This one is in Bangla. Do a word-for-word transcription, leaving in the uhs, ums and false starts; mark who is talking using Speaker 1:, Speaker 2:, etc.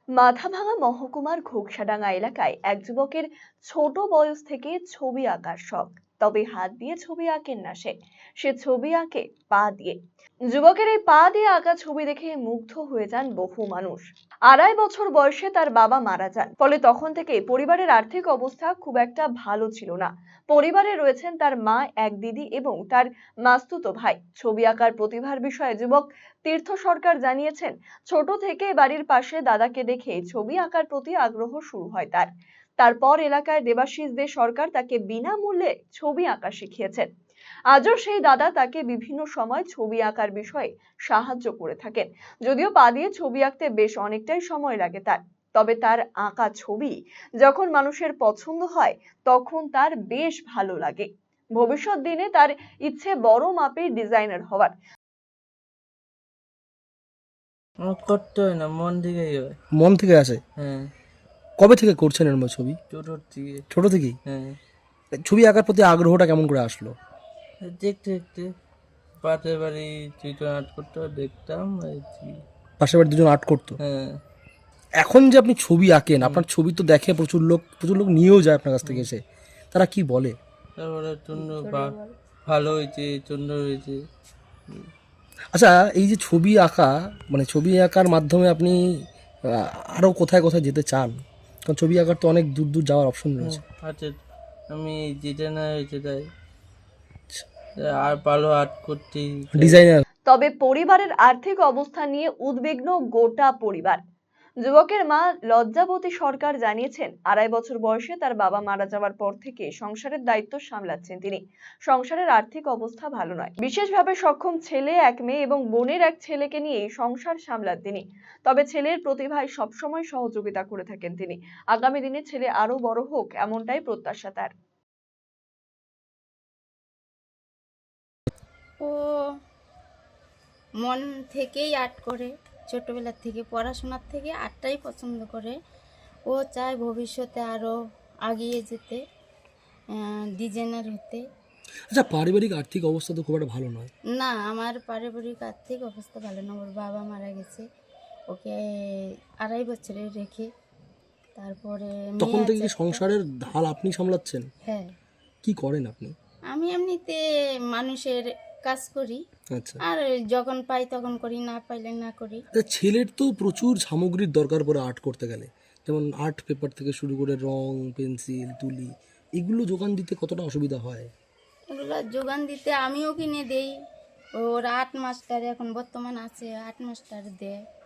Speaker 1: মাথাভাঙা মহকুমার ঘোকসাডাঙ্গা এলাকায় এক যুবকের ছোট বয়স থেকে ছবি আঁকার শখ। তবে হাত দিয়ে ছবি আঁকেন না সে সে ছবি আঁকে পা দিয়ে। যুবকের এই পা দিয়ে আঁকা ছবি দেখে মুগ্ধ হয়ে যান বহু মানুষ। আড়াই বছর বয়সে তার বাবা মারা যান, ফলে তখন থেকে পরিবারের আর্থিক অবস্থা খুব একটা ভালো ছিল না। পরিবারে রয়েছেন তার মা, এক দিদি এবং তার মাস্তুতো ভাই। ছবি আঁকার প্রতিভার বিষয়ে যুবক তীর্থ সরকার জানিয়েছেন, ছোট থেকে বাড়ির পাশে দাদাকে দেখে ছবি আঁকার প্রতি আগ্রহ শুরু হয় তার। তারপর এলাকায় দেবাশিস দে সরকার তাকে বিনামূল্যে ছবি আঁকা শিখিয়েছেন। আজও সেই দাদা তাকে বিভিন্ন সময় ছবি আঁকার বিষয়ে সাহায্য করে থাকেন। যদিও পা দিয়ে ছবি আঁকতে বেশ অনেকটাই সময় লাগে তার, তবে তার আঁকা ছবি যখন মানুষের পছন্দ হয় তখন তার বেশ ভালো লাগে। ভবিষ্যৎ দিনে তার ইচ্ছে বড় মাপের ডিজাইনার হওয়ার।
Speaker 2: করতে হয় না, মন থেকেই হয়।
Speaker 3: মন থেকে আসে?
Speaker 2: হ্যাঁ।
Speaker 3: কবে থেকে করছেন এরকম ছবি?
Speaker 2: ছোট থেকে।
Speaker 3: ছোট থেকেই?
Speaker 2: হ্যাঁ।
Speaker 3: ছবি আঁকার প্রতি আগ্রহটা কেমন করে আসলো?
Speaker 2: দেখতে দেখতে পাশের বাড়ি দুজন আর্ট করতো, দেখতাম।
Speaker 3: পাশের বাড়ি দুজন আর্ট করতো?
Speaker 2: হ্যাঁ।
Speaker 3: এখন যে আপনি ছবি আঁকেন, আপনার ছবি তো দেখে প্রচুর লোক প্রচুর লোক নিয়েও যায় আপনার কাছ থেকে এসে, তারা কি বলে?
Speaker 2: তারপরে জন্য ভালো হয়েছে, সুন্দর হয়েছে।
Speaker 3: আচ্ছা, এই যে ছবি আঁকা, মানে ছবি আঁকার মাধ্যমে আপনি আরও কোথায় কোথায় যেতে চান? কারণ ছবি আঁকার তো অনেক দূর দূর যাওয়ার অপশন রয়েছে।
Speaker 2: আচ্ছা, আমি যেটা না হয়েছে তাই আর ভালো আর্ট করতে
Speaker 3: ডিজাইনার।
Speaker 1: তবে পরিবারের আর্থিক অবস্থা নিয়ে উদ্বিগ্ন গোটা পরিবার। যুবকের মা লজ্জাবতী সরকার জানিয়েছেন, আড়াই বছর বয়সে তার বাবা মারা যাওয়ার পর থেকে সংসারের দায়িত্ব সামলাচ্ছেন তিনি। সংসারের আর্থিক অবস্থা ভালো নয়। বিশেষভাবে সক্ষম ছেলে এক মেয়ে এবং বোনের এক ছেলেকে নিয়ে সংসার সামলান তিনি। তবে ছেলের প্রতিভায় সবসময় সহযোগিতা করে থাকেন তিনি। আগামী দিনে ছেলে আরো বড় হোক, এমনটাই প্রত্যাশা তার।
Speaker 4: ও মন থেকেই আর্ট করে, ছোটবেলা থেকে পড়াশোনার থেকে আর্টটাই পছন্দ করে। ও চায় ভবিষ্যতে আরও এগিয়ে যেতে, ডিজাইনার হতে।
Speaker 3: আচ্ছা, পারিবারিক আর্থিক অবস্থা তো খুব একটা ভালো নয়?
Speaker 4: না, আমার পারিবারিক আর্থিক অবস্থা ভালো না। ওর বাবা মারা গেছে, ওকে আড়াই বছরে রেখে। তারপরে
Speaker 3: তখন থেকে কি সংসারের ঢাল আপনি সামলাচ্ছেন?
Speaker 4: হ্যাঁ।
Speaker 3: কি করেন আপনি?
Speaker 4: আমি এমনিতে মানুষের কাজ করি।
Speaker 3: আচ্ছা।
Speaker 4: আর যখন পাই তখন করি, না পাইলে না করি।
Speaker 3: ছেলের তো প্রচুর সামগ্রীর দরকার পড়ে আর্ট করতে গেলে, যেমন আর্ট পেপার থেকে শুরু করে রং, পেন্সিল, তুলি, এগুলো যোগান দিতে কতটা অসুবিধা হয়?
Speaker 4: এগুলো যোগান দিতে আমিও কিনে দেই। ওর আর্ট মাস্টার এখন বর্তমান আছে, আর্ট মাস্টার দেয়।